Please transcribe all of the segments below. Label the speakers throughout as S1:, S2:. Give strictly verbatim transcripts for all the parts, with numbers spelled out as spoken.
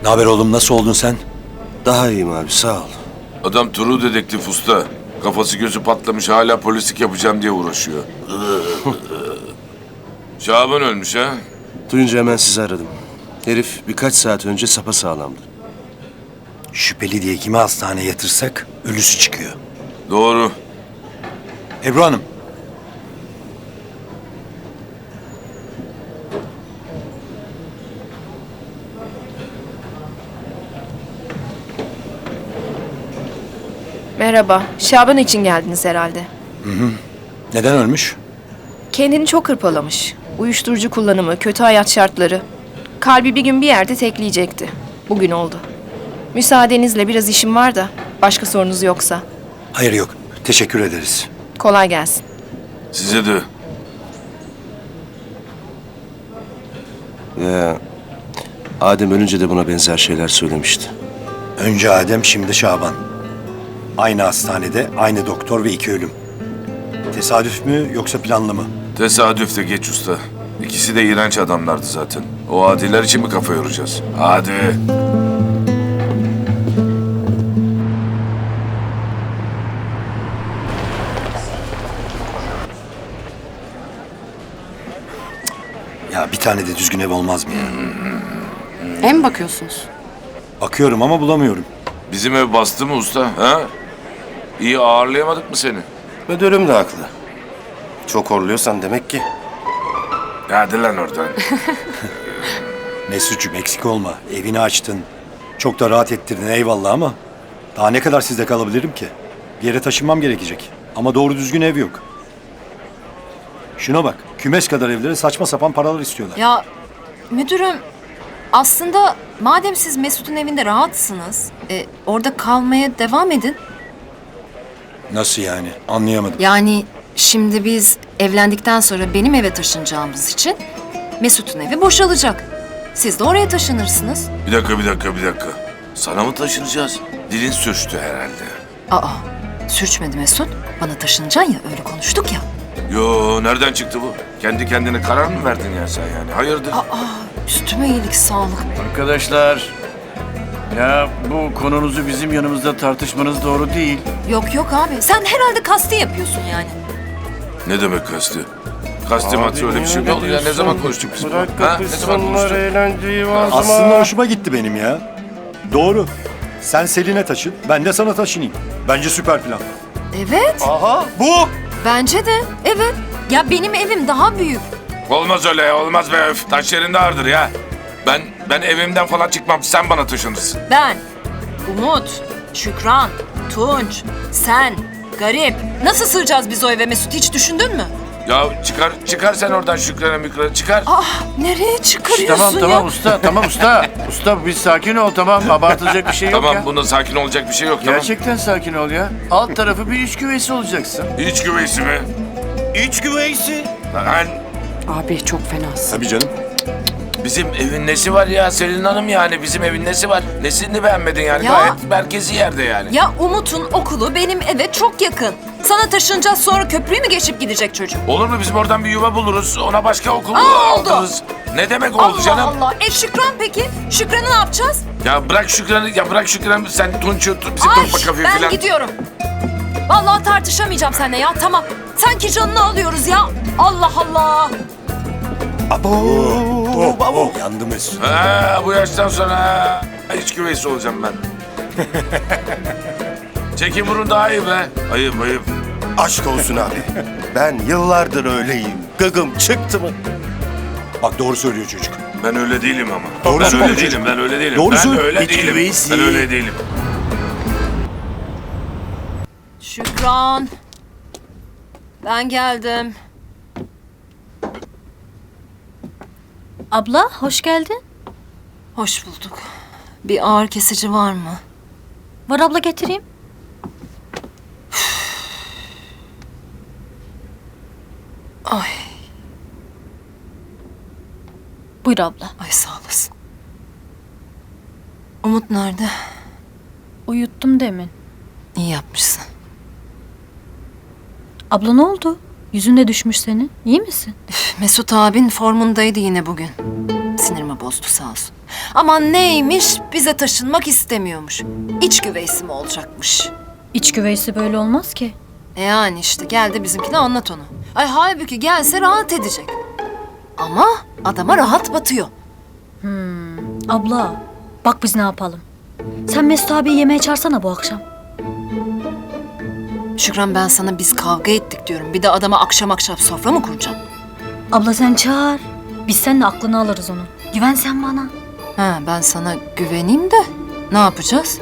S1: Ne haber oğlum, nasıl oldun sen?
S2: Daha iyiyim abi, sağ ol.
S3: Adam Turu dedektif usta. Kafası gözü patlamış, hala polislik yapacağım diye uğraşıyor. Şaban ölmüş ha?
S2: Duyunca hemen sizi aradım. Herif birkaç saat önce sapasağlamdı.
S1: Şüpheli diye kimi hastaneye yatırsak ölüsü çıkıyor.
S3: Doğru.
S1: Ebru Hanım.
S4: Merhaba. Şaban için geldiniz herhalde.
S1: Neden ölmüş?
S4: Kendini çok hırpalamış. Uyuşturucu kullanımı, kötü hayat şartları. Kalbi bir gün bir yerde tekleyecekti. Bugün oldu. Müsaadenizle biraz işim var da başka sorunuz yoksa.
S1: Hayır yok. Teşekkür ederiz.
S4: Kolay gelsin.
S3: Size de.
S2: Ya, Adem ölünce de buna benzer şeyler söylemişti.
S1: Önce Adem, şimdi Şaban. Aynı hastanede, aynı doktor ve iki ölüm. Tesadüf mü yoksa planlı mı?
S3: Tesadüf de geç usta. İkisi de iğrenç adamlardı zaten. O adiler için mi kafa yoracağız? Hadi.
S1: Ya bir tane de düzgün ev olmaz mı ya?
S5: Ev mi bakıyorsunuz?
S1: Bakıyorum ama bulamıyorum.
S3: Bizim ev bastı mı usta? Ha? İyi ağırlayamadık mı seni?
S2: Müdürüm de haklı. Çok horluyorsan demek ki.
S3: Hadi lan oradan.
S1: Mesut'cum eksik olma. Evini açtın. Çok da rahat ettirdin, eyvallah, ama daha ne kadar sizde kalabilirim ki? Bir yere taşınmam gerekecek. Ama doğru düzgün ev yok. Şuna bak. Kümes kadar evlere saçma sapan paralar istiyorlar.
S5: Ya müdürüm, aslında madem siz Mesut'un evinde rahatsınız, e, orada kalmaya devam edin.
S1: Nasıl yani? Anlayamadım.
S5: Yani şimdi biz evlendikten sonra benim eve taşınacağımız için Mesut'un evi boşalacak. Siz de oraya taşınırsınız.
S3: Bir dakika, bir dakika, bir dakika. Sana mı taşınacağız? Dilin sürçtü herhalde.
S5: Aa, sürçmedi Mesut. Bana taşınacaksın ya, öyle konuştuk ya.
S3: Yo, nereden çıktı bu? Kendi kendine karar mı verdin ya sen yani? Hayırdır?
S5: Aa, üstüme iyilik sağlık.
S6: Arkadaşlar, ya bu konunuzu bizim yanımızda tartışmanız doğru değil.
S5: Yok yok abi, sen herhalde kasti yapıyorsun yani.
S3: Ne demek kastı? Kastı matı öyle bir şey mi oldu ya? Ne zaman konuştuk biz bunu?
S6: Bırak
S3: Ha? Ne zaman
S6: kapışsınlar,
S3: konuştuk?
S6: eğlenceyi vazma.
S1: Aslında hoşuma gitti benim ya. Doğru. Sen Selin'e taşın, ben de sana taşınayım. Bence süper plan.
S5: Evet,
S1: Aha, bu!
S5: bence de. Evet. Ya benim evim daha büyük.
S3: Olmaz öyle ya, olmaz be öf. Taş yerinde ağırdır ya. Ben ben evimden falan çıkmam, sen bana taşınırsın.
S5: Ben, Umut, Şükran, Tunç, sen, Garip. Nasıl sığacağız biz o eve Mesut, hiç düşündün mü?
S3: Ya çıkar çıkar sen oradan Şükran'a Mükran'a çıkar.
S5: Ah, nereye çıkarıyorsun
S6: Tamam
S5: ya?
S6: tamam usta, tamam usta. Usta bir sakin ol, tamam, abartılacak bir şey yok
S3: Tamam,
S6: ya.
S3: bunda sakin olacak bir şey yok, tamam.
S6: Gerçekten sakin ol ya. Alt tarafı bir iç güveysi olacaksın.
S3: İç güveysi mi?
S1: İç güveysi.
S3: Lan
S5: Abi çok fenasın.
S1: Tabii canım.
S3: bizim evin nesi var ya Selin Hanım, yani bizim evin nesi var? Nesini beğenmedin yani?
S5: Ya.
S3: Gayet merkezi yerde yani.
S5: Ya Umut'un okulu benim eve çok yakın. Sana taşınacağız, sonra köprüyü mü geçip gidecek çocuk?
S3: Olur mu, bizim oradan bir yuva buluruz, ona başka okul
S5: Aa, oldu.
S3: aldırırız. Ne demek oldu
S5: Allah
S3: canım?
S5: Allah. E Şükran peki? Şükran'ı ne yapacağız?
S3: Ya bırak Şükran'ı, ya bırak Şükran'ı, sen Tunç'u, bizim
S5: Ay,
S3: Topla Kafe
S5: ben
S3: falan.
S5: gidiyorum. Vallahi tartışamayacağım seninle ya, tamam. Sanki canını alıyoruz ya. Allah Allah.
S1: Abo, oh, oh. Yandı Mesut.
S3: Ha, bu yaştan sonra iç güveysi olacağım ben. Çekin burun daha iyi be. Ayıp ayıp.
S2: Aşk olsun abi. Ben yıllardır öyleyim. Gıgım çıktı mı?
S1: Bak doğru söylüyor çocuk.
S3: Ben öyle değilim ama.
S1: Doğru
S3: ben
S1: söylüyor
S3: öyle
S1: çocuk.
S3: değilim, ben öyle değilim.
S1: Doğru
S3: ben
S1: söylüyor.
S3: öyle
S2: İç
S3: değilim.
S2: güveysi.
S3: Ben öyle değilim.
S5: Şükran. Ben geldim.
S7: Abla hoş geldin.
S5: Hoş bulduk. Bir ağır kesici var mı?
S7: Var abla, getireyim.
S5: Ay,
S7: Buyur abla.
S5: ay sağ olasın. Umut nerede?
S7: Uyuttum demin.
S5: İyi yapmışsın.
S7: Abla ne oldu? Yüzün de düşmüş senin. İyi misin?
S5: Mesut abin formundaydı yine bugün. sinirimi bozdu sağ olsun. Aman neymiş, bize taşınmak istemiyormuş. İç güveysi mi olacakmış?
S7: İç güveysi böyle olmaz ki.
S5: E yani işte gel de bizimkine anlat onu. Ay halbuki gelse rahat edecek. Ama adama rahat batıyor.
S7: Abla bak biz ne yapalım. Sen Mesut abiyi yemeğe çağırsana bu akşam.
S5: Şükran ben sana biz kavga ettik diyorum. Bir de adama akşam akşam sofra mı kuracağım?
S7: Abla sen çağır. Biz seninle aklını alırız onu. Güven sen bana.
S5: Ha ben sana güveneyim de ne yapacağız?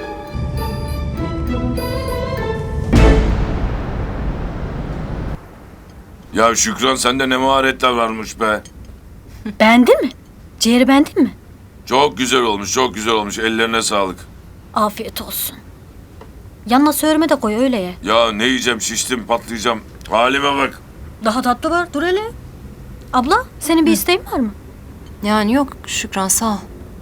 S3: Ya Şükran sende ne maharetler varmış be.
S7: Beğendin mi? Ciğeri beğendin mi?
S3: Çok güzel olmuş, çok güzel olmuş. Ellerine sağlık.
S7: Afiyet olsun. Yanına söğürme de koy öyle ye.
S3: Ya ne yiyeceğim, şiştim, patlayacağım. Halime bak.
S7: Daha tatlı var dur hele. Abla senin bir isteğin var mı?
S5: Yani yok Şükran sağ ol.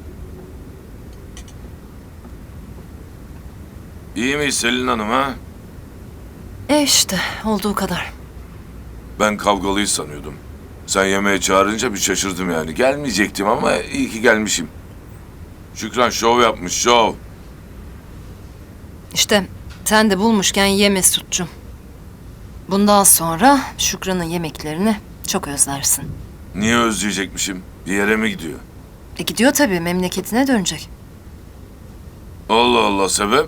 S3: İyi miyiz Selin Hanım ha?
S5: E işte olduğu kadar.
S3: Ben kavgalıyız sanıyordum. Sen yemeğe çağırınca bir şaşırdım yani. Gelmeyecektim ama iyi ki gelmişim. Şükran şov yapmış, şov.
S5: İşte sen de bulmuşken ye Mesut'cum. Bundan sonra Şükran'ın yemeklerini çok özlersin.
S3: Niye özleyecekmişim? Bir yere mi gidiyor?
S5: E gidiyor tabii memleketine dönecek.
S3: Allah Allah, sebep?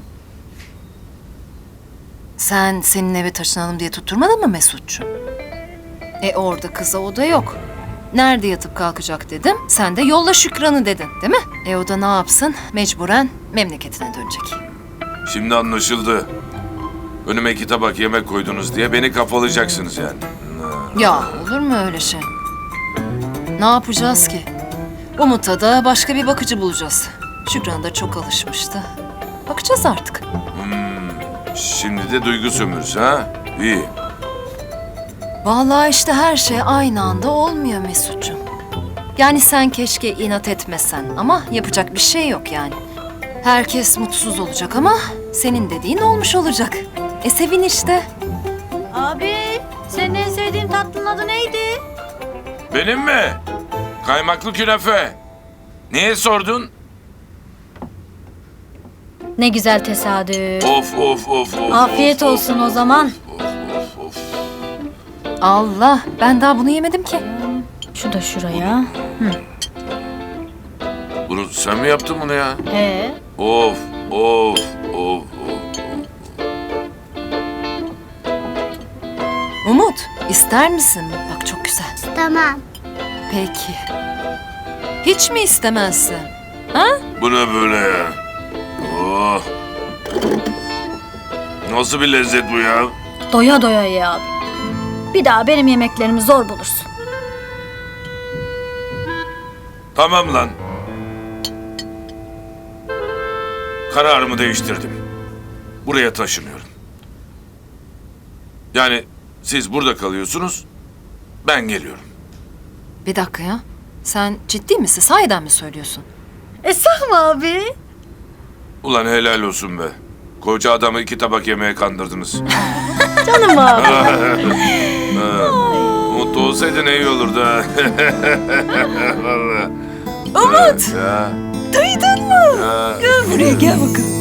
S5: Sen senin eve taşınalım diye tutturmadın mı Mesut'cum? E orada kıza oda yok. Nerede yatıp kalkacak dedim. Sen de yolla Şükran'ı dedin değil mi? E o da ne yapsın? Mecburen memleketine dönecek.
S3: Şimdi anlaşıldı. Önüme iki tabak yemek koydunuz diye beni kafalayacaksınız yani.
S5: Ya olur mu öyle şey? Ne yapacağız ki? Umut'a da başka bir bakıcı bulacağız. Şükran da çok alışmıştı. Bakacağız artık.
S3: Şimdi de duygu sömürüsü ha? İyi.
S5: Vallahi işte her şey aynı anda olmuyor Mesut'cum. Yani sen keşke inat etmesen ama yapacak bir şey yok yani. Herkes mutsuz olacak ama senin dediğin olmuş olacak. E sevin işte.
S7: Abi senin en sevdiğin tatlının adı neydi?
S3: Benim mi? Kaymaklı künefe. Niye sordun?
S7: Ne güzel tesadüf.
S3: Of of of of.
S7: Afiyet
S3: of,
S7: olsun o zaman.
S3: Of of of.
S5: Allah ben daha bunu yemedim ki.
S7: Şu da şuraya.
S3: Bunu sen mi yaptın bunu ya?
S7: He.
S3: Of of of of.
S5: Umut ister misin? Bak çok güzel.
S8: Tamam.
S5: Peki. Hiç mi istemezsin?
S3: Bu ne böyle ya? Oh. Nasıl bir lezzet bu ya?
S7: Doya doya ye abi. Bir daha benim yemeklerimi zor bulursun.
S3: Tamam lan. Kararımı değiştirdim. Buraya taşınıyorum. Yani siz burada kalıyorsunuz, ben geliyorum.
S5: Bir dakika ya. Sen ciddi misin? Sahiden mi söylüyorsun?
S7: Esah mı abi?
S3: Ulan helal olsun be. Koca adamı iki tabak yemeğe kandırdınız.
S7: Canım abi.
S3: Mutlu olsaydın iyi olurdu ha. Vallahi.
S5: Umut!
S3: Ya.
S5: Duydun mu?
S3: Ya.
S5: Gel buraya gel bakalım.